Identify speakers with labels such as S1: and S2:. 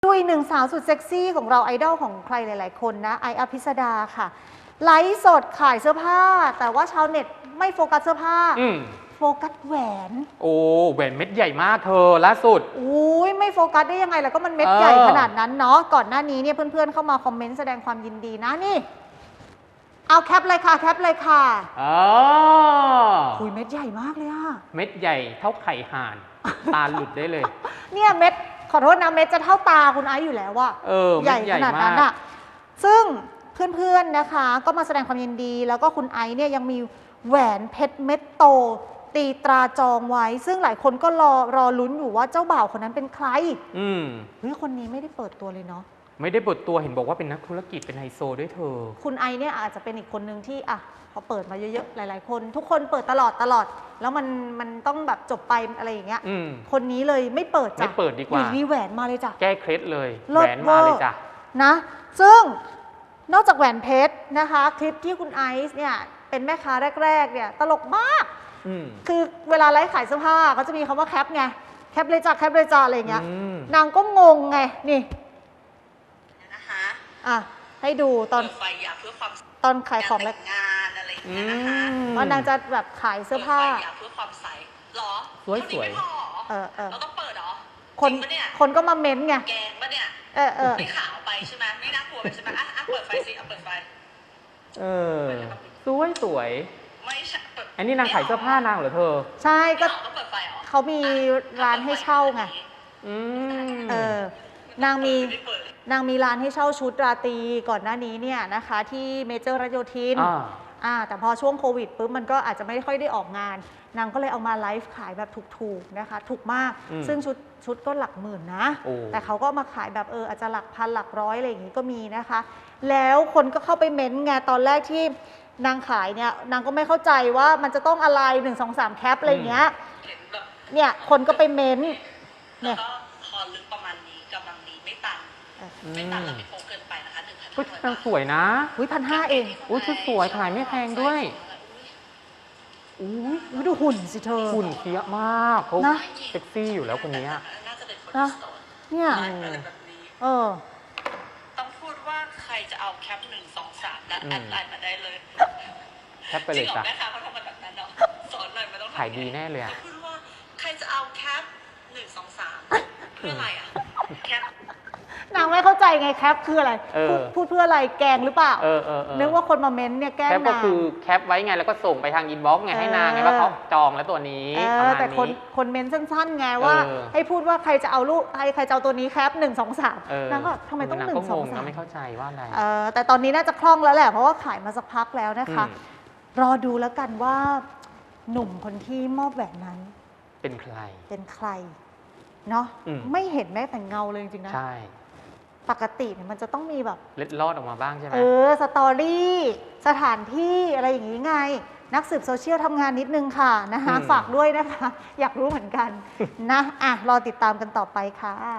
S1: ดูอีกหนึ่งสาวสุดเซ็กซี่ของเราไอดอลของใครหลายๆคนนะไออภิสดาค่ะไลฟ์สดขายเสื้อผ้าแต่ว่าชาวเน็ตไม่โฟกัสเสื้อผ้าโฟกัสแหวน
S2: โอ้แหวนเม็ดใหญ่มากเธอล่าสุด
S1: อุ้ยไม่โฟกัสได้ยังไงแล้วก็มันเม็ดใหญ่ขนาดนั้นเนาะก่อนหน้านี้เนี่ยเพื่อนๆเข้ามาคอมเมนต์แสดงความยินดีนะนี่เอาแคปเลยค่ะแคปเลยค่ะคุยเม็ดใหญ่มากเลยอะ
S2: เม็ดใหญ่เท่าไข่ห่านตาหลุดได้เลย
S1: เนี่ยเม็ดขอโทษนะเม็ดจะเท่าตาคุณไอซ์อยู่แล้วว่าใหญ่ขนาดนั้นอะซึ่งเพื่อนๆนะคะก็มาแสดงความยินดีแล้วก็คุณไอซ์เนี่ยยังมีแหวนเพชรเม็ดโตตีตราจองไว้ซึ่งหลายคนก็รอลุ้นอยู่ว่าเจ้าบ่าวคนนั้นเป็นใครเฮ้ยคนนี้ไม่ได้เปิดตัวเลยเนาะ
S2: ไม่ได้เปิดตัวเห็นบอกว่าเป็นนักธุรกิจเป็นไฮโซด้วยเธอ
S1: คุณไอเนี่ยอาจจะเป็นอีกคนนึงที่อ่ะพอเปิดมาเยอะๆหลายๆคนทุกคนเปิดตลอดแล้วมันต้องแบบจบไปอะไรอย่างเงี้ยคนนี้เลยไม่เปิดจ้ะ
S2: ไม่เปิดดีกว่า
S1: มีแหวนมาเลยจ้ะ
S2: แก้เคล็ดเลยแหวนมาเลยจ้ะ
S1: นะซึ่งนอกจากแหวนเพชรนะคะคลิปที่คุณไอซ์เนี่ยเป็นแม่ค้าแรกๆเนี่ยตลกมากคือเวลาไลฟ์ขายเสื้อผ้าเขาจะมีคำว่าแคปไงแคปเลยจ้ะแคปเลยจ้ะอะไรเงี้ยนางก็งงไงนี่
S3: นะคะ
S1: ให้ดูตอน
S3: ไฟอยากเพื่อความ
S1: ตอนขายของ
S3: และงานอะไรอย่างเงี้ยนะคะ
S1: ตอนนางจะแบบขายเสื้อผ้า
S3: อยากเพื่อความใสหรอ
S2: สวย
S3: เราต้องเปิดหรอ
S1: คนก็มาเม้นไง
S3: แกงปะเนี่ยไม่ขาวไปใช่ไหมไม่น่ากลัวไปใช่ไหมเปิดไฟสิเปิดไฟ
S2: สวยไม่ใช่อันนี้นางขายเสื้อผ้านางเหรอเธอ
S1: ใช่ก็
S3: ต้องเปิดไฟหรอ
S1: เขามีร้านให้เช่าไงนางมีร้านให้เช่าชุดราตรีก่อนหน้านี้เนี่ยนะคะที่เมเจอร์รัชโยธินแต่พอช่วงโควิดปุ๊บมันก็อาจจะไม่ค่อยได้ออกงานนางก็เลยเอามาไลฟ์ขายแบบถูกๆนะคะถูกมากซึ่งชุดก็หลักหมื่นนะแต่เขาก็มาขายแบบอาจจะหลักพันหลักร้อยอะไรอย่างนี้ก็มีนะคะแล้วคนก็เข้าไปเม้นต์ไงตอนแรกที่นางขายเนี่ยนางก็ไม่เข้าใจว่ามันจะต้องอะไร1 2 3แคปอะไรอย่างเงี้ยเนี่ยคนก็ไปเม้นต์
S3: เนี่ยคอลึกประมาณนี้กำลังดีไม่ตันแล้วไม่โป๊เกินไปนะคะ
S2: 1,500สวยนะ
S1: 1,500เอง
S2: ชุดสวยขายไม่แพงด้วย
S1: ดูหุ่นสิเธอ
S2: หุ่นเฟี้ยมากเขาเซ็กซี่อยู่แล้วคนนี้
S1: นะเนี่ย
S3: ต้องพูดว่าใครจะเอาแคป1 2 3และแอดไลน์มาได้เลย
S2: แคปไปเลยจ้ะ
S3: แม่ค้าเขาทำมาแบบนั้นเนาะสอนหน่อยมันต้อง
S2: ขายดีแน่เลย
S3: พูดว่าใครจะเอาแคป1 2 3เพื่ออะไรแคป
S1: นางไม่เข้าใจไงแคปคืออะไรพูดเพื่ออะไรแกงหรือเปล่านึกว่าคนมาเม้นเนี่ยแกล้งนาง
S2: แคปก็คือแคปไว้ไงแล้วก็ส่งไปทางอินบ็อกซ์ไงให้นางไงว่าเขาจองแล้วตัวนี้
S1: แต่คนเม้นสั้นๆไงว่าให้พูดว่าใครจะเอาลูกใครจะเอาตัวนี้แคป1 2 3นางก็ทำไมต้อง1 2 3
S2: ไม่เข้าใจว่าอะไร
S1: แต่ตอนนี้น่าจะคล่องแล้วแหละเพราะว่าขายมาสักพักแล้วนะคะรอดูแล้วกันว่าหนุ่มคนที่มอบแหวนนั้น
S2: เป็นใคร
S1: เนาะไม่เห็นแม้แต่เงาเลยจริงๆนะ
S2: ใช่
S1: ปกติเนี่ยมันจะต้องมีแบบ
S2: เล็ดลอดออกมาบ้างใช่ไหม
S1: สตอรี่สถานที่อะไรอย่างนี้ไงนักสืบโซเชียลทำงานนิดนึงค่ะนะคะฝากด้วยนะคะอยากรู้เหมือนกันนะรอติดตามกันต่อไปค่ะ